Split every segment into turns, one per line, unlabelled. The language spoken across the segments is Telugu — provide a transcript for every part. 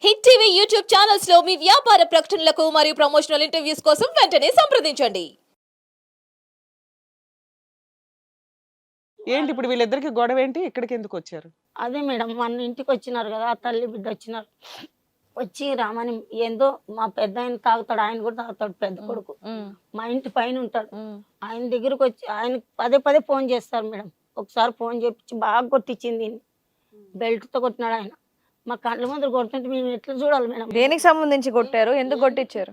హిట్ టీవీ యూట్యూబ్ ఛానల్స్ లో మీ వ్యాపార ప్రకటనలకు మరియు ప్రమోషనల్ ఇంటర్వ్యూస్ కోసం వెంటనే సంప్రదించండి.
ఏంటి ఇప్పుడు వీళ్ళిద్దరికి గొడవ ఏంటి? ఇక్కడికి ఎందుకు వచ్చారు?
అదే మేడం మన ఇంటికి వచ్చినారు కదా, ఆ తల్లి బిడ్డ వచ్చినారు. వచ్చి రామని ఏందో మా పెద్ద ఆయన తాగుతాడు, ఆయన కూడా తాగుతాడు, పెద్ద కొడుకు మా ఇంటి పైన ఉంటాడు. ఆయన దగ్గరకు వచ్చి ఆయన పదే పదే ఫోన్ చేస్తారు మేడం. ఒకసారి ఫోన్ చేపించి బాగా కొట్టించింది, బెల్ట్తో కొట్టినాడు ఆయన. మా కళ్ళ ముందు కొడుతుంటే మేము ఎట్లా చూడాలి మేడం?
దేనికి సంబంధించి కొట్టారు? ఎందుకు కొట్టించారు?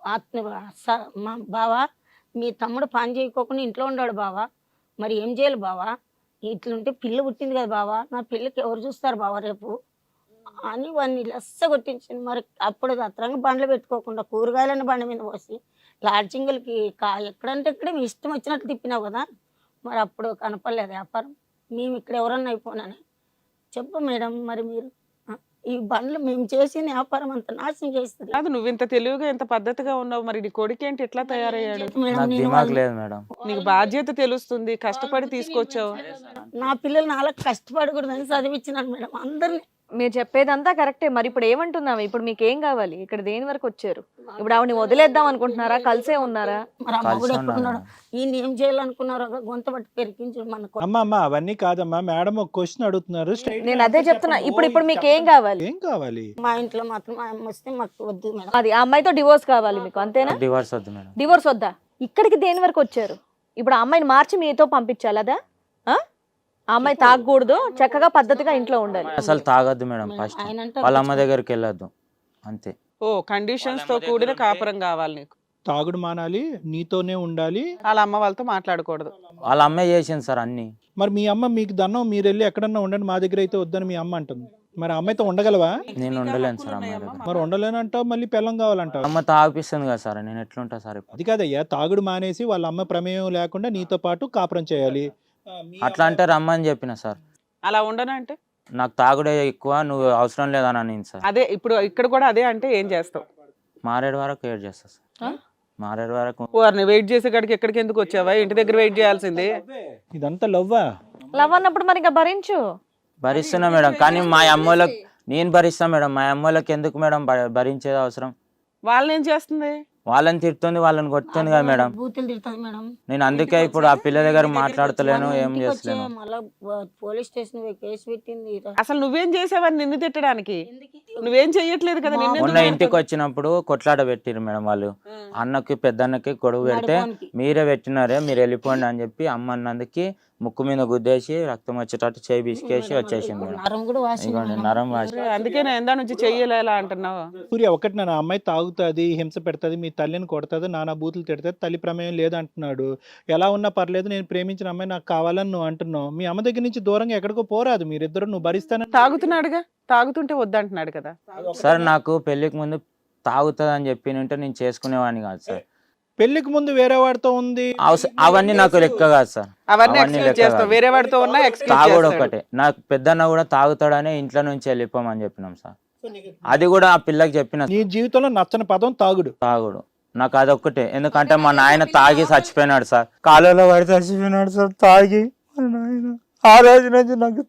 మా బావా, మీ తమ్ముడు పని చేయకోకుండా ఇంట్లో ఉన్నాడు బావా, మరి ఏం చేయాలి బావా? ఇట్లుంటే పిల్ల పుట్టింది కదా బావా, నా పిల్లకి ఎవరు చూస్తారు బావా రేపు అని వాడిని లెస్స కొట్టించింది. మరి అప్పుడు అత్రంగా బండ్లు పెట్టుకోకుండా కూరగాయలని బండి మీద పోసి లాడ్జింగులకి ఎక్కడంటే ఇక్కడ మీ ఇష్టం వచ్చినట్లు తిప్పినావు కదా, మరి అప్పుడు కనపడలేదు వ్యాపారం. మేము ఇక్కడ ఎవరన్నా అయిపోయినాని చెప్పు మేడం. మరి మీరు ఈ బండ్లు మేము చేసిన వ్యాపారం అంత నాశనం చేస్తుంది.
కాదు, నువ్వు ఇంత తెలివిగా ఇంత పద్ధతిగా ఉన్నావు, మరి నీ కొడుకు ఏంటి ఎట్లా తయారయ్యాడు? నీకు బాధ్యత తెలుస్తుంది, కష్టపడి తీసుకొచ్చావు.
నా పిల్లలు నాలా కష్టపడకూడదని చదివించినాను మేడం అందరినీ.
మీరు చెప్పేదంతా కరెక్టే, మరి ఇప్పుడు ఏమంటున్నావు? ఇప్పుడు మీకు ఏం కావాలి? ఇక్కడ దేని వరకు వచ్చారు? ఇప్పుడు ఆవిడని వదిలేద్దాం అనుకుంటున్నారా? కలిసే ఉన్నారా?
మరి అమ్మ కూడా ఎక్కడున్నాడు? ఈయన ఏం చేయాలనుకున్నారో గొంత పట్టి పెరిగించు మనకు.
అమ్మా అవన్నీ కాదమ్మా, మేడం ఒక క్వశ్చన్ అడుగుతున్నారు.
నేను అదే చెప్తున్నా. ఇప్పుడు మీకు ఏం కావాలి?
ఏం కావాలి?
మా ఇంట్లో మాత్రం మా అమ్మ వస్తే మాకు వద్దు మేడం.
అది ఆ అమ్మాయితో డివోర్స్ కావాలి మీకు, అంతేనా?
డివోర్స్ వద్దు మేడం.
డివోర్స్ వద్దా? ఇక్కడికి దేని వరకు వచ్చారు? ఇప్పుడు ఆ అమ్మాయిని మార్చి మీతో పంపించాలి అదా? ఆ అమ్మాయి తాగకూడదు, చక్కగా పద్ధతిగా ఇంట్లో ఉండాలి.
అసలు తాగొద్దు మేడం. ఫస్ట్ వాళ్ళ అమ్మ దగ్గరికి వెళ్ళొద్దు, అంతే.
ఓ కండిషన్స్ తో కూడిన కాపురం కావాలి నీకు.
తాగుడు మానాలి, నీతోనే ఉండాలి,
వాళ్ళ అమ్మ వాళ్ళతో మాట్లాడకూడదు.
వాళ్ళ అమ్మే చేసింది సార్ అన్ని.
మరి మీ అమ్మ మీకు దన్నం, మీరు వెళ్ళి ఎక్కడన్నా ఉండండి, మా దగ్గర అయితే వద్దని మీ అమ్మ అంటుంది. మరి అమ్మాయితో ఉండగలవా?
నేను ఉండలేను సార్ అమ్మాయి దగ్గర.
మరి ఉండలేనంటావు, మళ్ళీ పిల్లం కావాలంటావు.
అమ్మ తాగిపిస్తుంది కదా సార్, నేను ఎట్లుంటా సార్?
అది కాదయ్యా, తాగుడు మానేసి వాళ్ళ అమ్మ ప్రమేయం లేకుండా నీతో పాటు కాపురం చేయాలి.
అట్లా అంటే రమ్మని చెప్పిన సార్.
అలా ఉండనంటే
నాకు తాగుడే ఎక్కువ, నువ్వు అవసరం లేదని అనింది సార్.
అదే ఇప్పుడు ఇక్కడ కూడా అదే అంటే ఏం చేస్తావు?
మారేడు వరకు వెయిట్ చేస్తా సార్. మారేడు వరకు
వారిని వెయిట్ చేసే కాడికి ఎక్కడికి ఎందుకు వచ్చావా? ఇంటి దగ్గర వెయిట్ చేయాల్సింది.
ఇదంతా లవ్వా?
లవ్ అన్నప్పుడు మరి ఇంకా భరించు.
భరిస్తున్నా మేడం, కానీ మా అమ్మోళ్ళకి నేను భరిస్తా మేడం. మా అమ్మోళ్ళకి ఎందుకు మేడం భరించేది అవసరం?
వాళ్ళని ఏం చేస్తుంది?
వాళ్ళని తిడుతుంది, వాళ్ళని కొడుతుంది కదా మేడం.
బూతులు తిడుతుంది మేడం.
నేను అందుకే ఇప్పుడు ఆ పిల్ల దగ్గర మాట్లాడతలేను, ఏం చేస్తలేను.
మళ్ళా పోలీస్ స్టేషన్ కేసు పెట్టింది.
అసలు నువ్వేం చేసావని నిన్ను తిట్టడానికి? నువ్వేం చెయ్యట్లేదు కదా.
మొన్న ఇంటికి వచ్చినప్పుడు కొట్లాట పెట్టిరు మేడం వాళ్ళు. అన్నకి పెద్దన్నకి గొడవ పెడితే మీరే పెట్టినారే, మీరు వెళ్ళిపోండి అని చెప్పి అమ్మ అన్నందుకి ముక్కు మీద గుద్దేసి రక్తం వచ్చేటట్టు చేయి బిసికేసి వచ్చేసింది మేడం. ఇదిగోండి నరం వాసి.
అందుకే నేను ఎందా నుంచి చెయ్యలేలా అంటున్నావు.
సూర్య ఒకటి, నా అమ్మాయి తాగుతుంది, హింస పెడుతుంది, మీ తల్లిని కొడుతుంది, నానా బూతులు తిడుతుంది, తల్లి ప్రమేయం లేదంటున్నాడు. ఎలా ఉన్నా పర్లేదు, నేను ప్రేమించిన అమ్మాయి నాకు కావాలని నువ్వు అంటున్నావు. మీ అమ్మ దగ్గర నుంచి దూరంగా ఎక్కడికో పోరాదు, మీరిద్దరు నువ్వు భరిస్తాను.
తాగుతున్నాడుగా, తాగుతుంటే వద్దంటున్నాడు కదా
సార్. నాకు పెళ్లికి ముందు తాగుతుంది అని చెప్పి ఉంటే నేను చేసుకునేవాడిని కాదు సార్.
పెళ్లికి ముందు వేరే వాడితో ఉంది,
అవన్నీ నాకు లెక్క కాదు సార్.
అవన్నీ ఎక్స్క్యూజ్ చేస్తావు, వేరే వాడితో ఉన్నా ఎక్స్క్యూజ్
తాగుడు
చేస్తాడు.
ఒకటే. నాకు పెద్దన్న కూడా తాగుతాడని ఇంట్లో నుంచి వెళ్ళిపోమని చెప్పినాం సార్. అది కూడా ఆ పిల్లకి చెప్పిన.
నీ జీవితంలో నచ్చని పదం తాగుడు.
తాగుడు నాకు అదొక్కటే. ఎందుకంటే మా నాయన తాగి చచ్చిపోయినాడు సార్, కాలువలో పడి చచ్చిపోయినాడు సార్ తాగి. మా నాయన ఆ రోజు నుంచి నాకు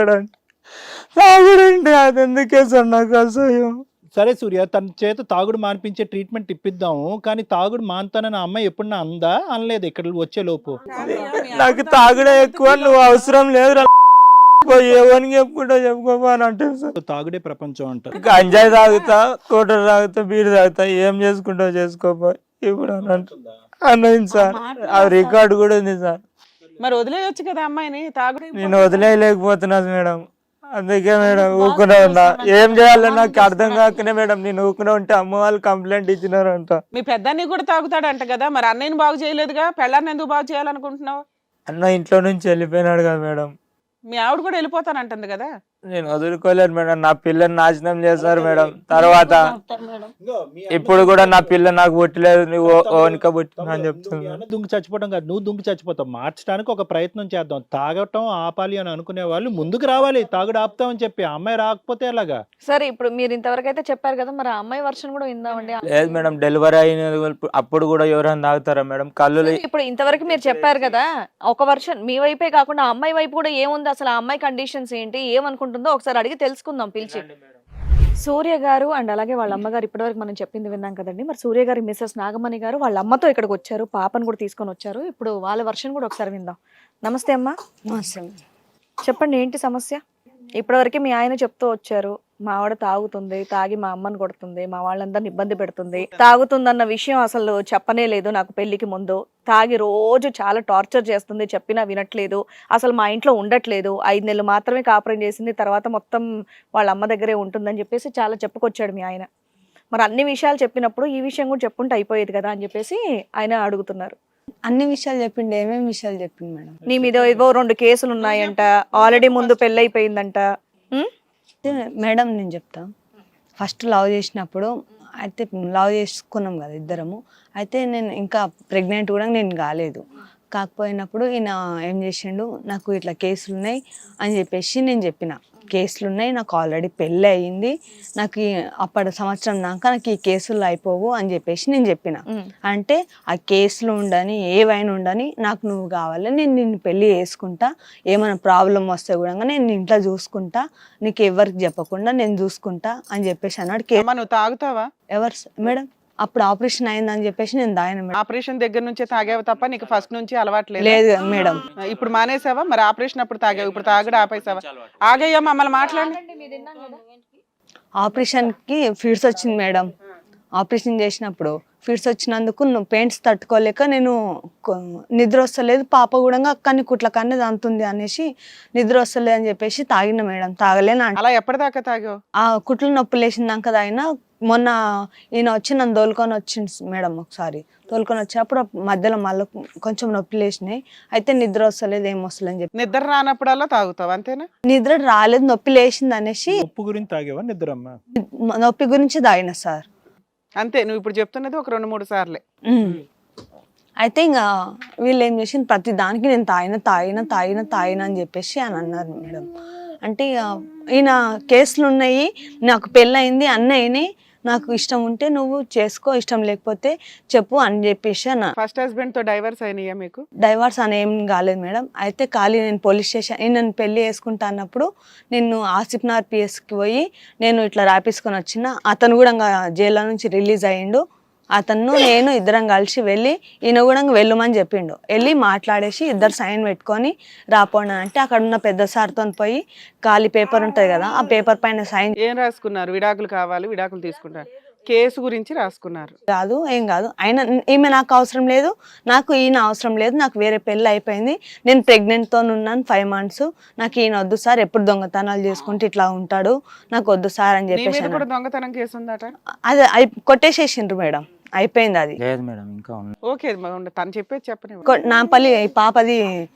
తాగుడంటే అది ఎందుకే సార్ నాకు అసహ్యం.
సరే సూర్య, తన చేత తాగుడు మానిపించే ట్రీట్మెంట్ ఇప్పిద్దాము, కానీ తాగుడు మానుతానని అమ్మాయి ఎప్పుడన్నా అందా? అనలేదు ఇక్కడ వచ్చే లోపు.
నాకు తాగుడే ఎక్కువ, నువ్వు అవసరం లేదు ఎవరికి చెప్పుకుంటా చెప్పుకోపా అని అంటే సార్.
తాగుడే ప్రపంచం అంటారు.
గంజాయి తాగుతా, కోటర్ తాగుతా, బీరు తాగుతా, ఏం చేసుకుంటావు చేసుకోపా ఇప్పుడు అని అన్నది సార్. ఆ రికార్డు కూడా ఉంది సార్.
మరి వదిలేయొచ్చు కదా అమ్మాయిని. తాగుడు
నేను వదిలేయలేకపోతున్నా మేడం, అందుకే మేడం ఊకునే ఉన్నా. ఏం చేయాలో నాకు అర్థం కాకనే మేడం నేను ఊకునే ఉంటే అమ్మ వాళ్ళు కంప్లైంట్ ఇచ్చినారంట.
మీ పెద్దాన్ని కూడా తాగుతాడంట కదా, మరి అన్నయ్యని బాగు చేయలేదుగా, పెళ్ళాన్ని ఎందుకు బాగు చేయాలనుకుంటున్నావు?
అన్న ఇంట్లో నుంచి వెళ్ళిపోయినాడు కదా మేడం.
మీ ఆవిడ కూడా వెళ్ళిపోతానంటుంది కదా.
నేను వదులుకోలేను మేడం, నా పిల్లని నాశనం చేశారు మేడం. తర్వాత ఇప్పుడు కూడా నా పిల్ల నాకు పుట్టలేదు, నువ్వు ఓనిక పుట్టినా అని చెప్తున్నా.
దుంగి చచ్చిపోవడం కాదు, నువ్వు దుంగి చచ్చిపోతావు. మార్చడానికి ఒక ప్రయత్నం చేద్దాం. తాగటం ఆపాలి అని అనుకునే వాళ్ళు ముందుకు రావాలి, తాగుడు ఆపుతామని చెప్పి. ఆ అమ్మాయి రాకపోతే ఎలాగా?
సరే, ఇప్పుడు మీరు ఇంతవరకు అయితే చెప్పారు కదా, మరి ఆ అమ్మాయి వర్షన్ కూడా విందామండి.
లేదు మేడం, డెలివరీ అయిన అప్పుడు కూడా ఎవరైనా తాగుతారా మేడం? కళ్ళు
ఇప్పుడు ఇంతవరకు మీరు చెప్పారు కదా, ఒక వర్షన్ మీ వైపే కాకుండా ఆ అమ్మాయి వైపు కూడా ఏముంది, అసలు ఆ అమ్మాయి కండిషన్స్ ఏంటి, ఏమనుకుంటుందో ఒకసారి అడిగి తెలుసుకుందాం పిలిచి. సూర్య గారు అండ్ అలాగే వాళ్ళ అమ్మగారు ఇప్పటివరకు మనం చెప్పింది విన్నాం కదండి. మరి సూర్య గారి మిస్సెస్ నాగమణి గారు వాళ్ళ అమ్మతో ఇక్కడికి వచ్చారు, పాపను కూడా తీసుకొని వచ్చారు. ఇప్పుడు వాళ్ళ వర్షన్ కూడా ఒకసారి విందాం. నమస్తే అమ్మా. చెప్పండి, ఏంటి సమస్య? ఇప్పటివరకు మీ ఆయన చెప్తూ వచ్చారు, మా ఆవిడ తాగుతుంది, తాగి మా అమ్మని కొడుతుంది, మా వాళ్ళందరిని ఇబ్బంది పెడుతుంది, తాగుతుందన్న విషయం అసలు చెప్పనే లేదు నాకు పెళ్లికి ముందు, తాగి రోజు చాలా టార్చర్ చేస్తుంది, చెప్పినా వినట్లేదు, అసలు మా ఇంట్లో ఉండట్లేదు, 5 నెలలు మాత్రమే కాపురం చేసింది, తర్వాత మొత్తం వాళ్ళ అమ్మ దగ్గరే ఉంటుందని చెప్పేసి చాలా చెప్పుకొచ్చాడు మీ ఆయన. మరి అన్ని విషయాలు చెప్పినప్పుడు ఈ విషయం కూడా చెప్పుంటే అయిపోయేది కదా అని చెప్పేసి ఆయన అడుగుతున్నారు.
అన్ని విషయాలు చెప్పిండు. ఏమేమి విషయాలు చెప్పిండు మేడం?
నీ మీద ఏవో 2 కేసులు ఉన్నాయంట, ఆల్రెడీ ముందు పెళ్ళైపోయిందంట.
అయితే మేడం నేను చెప్తా. ఫస్ట్ లవ్ చేసినప్పుడు అయితే లవ్ చేసుకున్నాం కదా ఇద్దరము. అయితే నేను ఇంకా ప్రెగ్నెంట్ కూడా నేను కాలేదు. కాకపోయినప్పుడు ఈయన ఏం చేసిండు, నాకు ఇట్లా కేసులు ఉన్నాయి అని చెప్పేసి నేను చెప్పిన. కేసులు ఉన్నాయి, నాకు ఆల్రెడీ పెళ్ళి అయ్యింది, నాకు అప్పటి సంవత్సరం దాకా నాకు ఈ కేసులు అయిపోవు అని చెప్పేసి నేను చెప్పిన. అంటే ఆ కేసులు ఉండని ఏవైనా ఉండని నాకు నువ్వు కావాలి, నేను నిన్ను పెళ్లి చేసుకుంటా, ఏమైనా ప్రాబ్లం వస్తే కూడా నేను ఇంట్లో చూసుకుంటా, నీకు ఎవరికి చెప్పకుండా నేను చూసుకుంటా అని చెప్పేసి అన్నాడు.
నువ్వు తాగుతావా?
ఎవరు మేడం? అప్పుడు ఆపరేషన్ అయిందని చెప్పేసి నేను దాయన మేడం.
ఆపరేషన్ దగ్గర నుంచే తాగావు తప్ప నీకు ఫస్ట్ నుంచి అలవాట్లేదు?
లేదు మేడం.
ఇప్పుడు మానేసావా? మరి ఆపరేషన్ అప్పుడు తాగావు, ఇప్పుడు తాగడం ఆపేసావా? ఆగయ్యా, మమ్మల్ని మాట్లాడండి.
ఆపరేషన్ కి ఫిట్స్ వచ్చింది మేడం. ఆపరేషన్ చేసినప్పుడు ఫిట్స్ వచ్చినందుకు పెయింట్స్ తట్టుకోలేక నేను నిద్ర వస్తలేదు, పాప కూడా అక్కని కుట్ల కన్నీ అంతుంది అనేసి నిద్ర వస్తలేదు అని చెప్పేసి తాగిన మేడం. తాగలేను.
అలా ఎప్పటిదాకా తాగావు?
ఆ కుట్లు నొప్పి లేచిందాక తాగిన. మొన్న ఈయన వచ్చి నన్ను తోలుకొని వచ్చింది మేడం. ఒకసారి తోలుకొని వచ్చినప్పుడు మధ్యలో మళ్ళీ కొంచెం నొప్పి లేచినాయి. అయితే నిద్ర వస్తలేదు, ఏం వస్తలేదు అని చెప్పి.
నిద్ర రానప్పుడల్లా తాగుతావు అంతేనా?
నిద్ర రాలేదు, నొప్పి లేచింది అనేసి
ఉప్పు గురించి తాగేవా నిద్రమ్మ?
నొప్పి గురించి తాగిన సార్.
అంతే, నువ్వు ఇప్పుడు చెప్తున్నది ఒక 2-3 సార్లే.
అయితే ఇంకా వీళ్ళు ఏం చేసి ప్రతి దానికి నేను తాగిన అని చెప్పేసి అని అన్నారు మేడం. అంటే ఈయన కేసులు ఉన్నాయి, నాకు పెళ్ళయింది, అన్నీ నాకు ఇష్టం ఉంటే నువ్వు చేసుకో, ఇష్టం లేకపోతే చెప్పు అని చెప్పేసి అన్న.
ఫస్ట్ హస్బెండ్ తో డైవర్స్ అయినాయా మీకు?
డైవర్స్ అని ఏం కాలేదు మేడం. అయితే ఖాళీ నేను పోలీస్ స్టేషన్ నేను పెళ్లి చేసుకుంటా అన్నప్పుడు నేను ఆసిఫ్నార్ పిఎస్కి పోయి నేను ఇట్లా రాపించుకొని వచ్చిన. అతను కూడా జైల్లో నుంచి రిలీజ్ అయ్యిండు. అతను నేను ఇద్దరం కలిసి వెళ్ళి ఈయన కూడా వెళ్ళమని చెప్పిండు. వెళ్ళి మాట్లాడేసి ఇద్దరు సైన్ పెట్టుకొని రాపోండి అంటే అక్కడ ఉన్న పెద్ద సార్తో పోయి ఖాళీ పేపర్ ఉంటుంది కదా, ఆ పేపర్ పైన సైన్.
ఏం రాసుకున్నారు? విడాకులు కావాలి, విడాకులు తీసుకుంటారు, కేసు గురించి రాసుకున్నారు?
కాదు, ఏం కాదు. ఆయన ఈమె నాకు అవసరం లేదు, నాకు ఈయన అవసరం లేదు, నాకు వేరే పెళ్ళి అయిపోయింది, నేను ప్రెగ్నెంట్తో ఉన్నాను 5 months, నాకు ఈయన వద్దు సార్, ఎప్పుడు దొంగతనాలు చేసుకుంటే ఇట్లా ఉంటాడు, నాకు వద్దు సార్ అని చెప్పేసి.
దొంగతనం కేసు ఉందట?
అది కొట్టేసేసిండ్రు మేడం, అయిపోయింది అది.
లేదు మేడం, ఇంకా ఉంది.
ఓకే, తను చెప్పేది చెప్పని.
నాపల్లి పాపది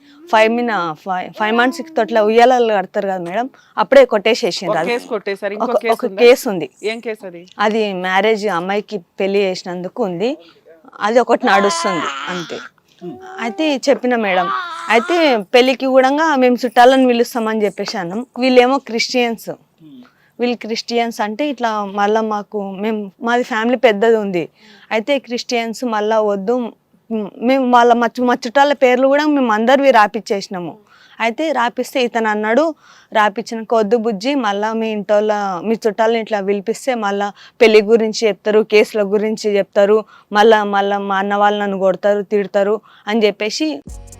5 months తోట్ల ఉయ్యాలలు కడతారు కదా మేడం, అప్పుడే కొట్టేసేసిండ్రు. ఒక కేసు ఉంది.
ఏం కేసు అది?
అది మ్యారేజ్ అమ్మాయికి పెళ్లి చేసినందుకు ఉంది, అది ఒకటి నడుస్తుంది అంతే. అయితే చెప్పిన మేడం. అయితే పెళ్లికి కూడా మేము చుట్టాలను పిలుస్తామని చెప్పేసి అన్నాం. వీళ్ళేమో క్రిస్టియన్స్. వీళ్ళు క్రిస్టియన్స్ అంటే ఇట్లా మళ్ళీ మాది ఫ్యామిలీ పెద్దది ఉంది. అయితే క్రిస్టియన్స్ మళ్ళీ వద్దు, మేము వాళ్ళ మా చుట్టాల పేర్లు కూడా మేము అందరివి రాపిచ్చేసినాము. అయితే రాపిస్తే ఇతను అన్నాడు, రాపిచ్చినాక వద్దు బుజ్జి, మళ్ళీ మీ ఇంట్లో మీ చుట్టాలని ఇట్లా పిలిపిస్తే మళ్ళీ పెళ్లి గురించి చెప్తారు, కేసుల గురించి చెప్తారు, మళ్ళీ మా అన్న వాళ్ళు నన్ను కొడతారు, తిడతారు అని చెప్పేసి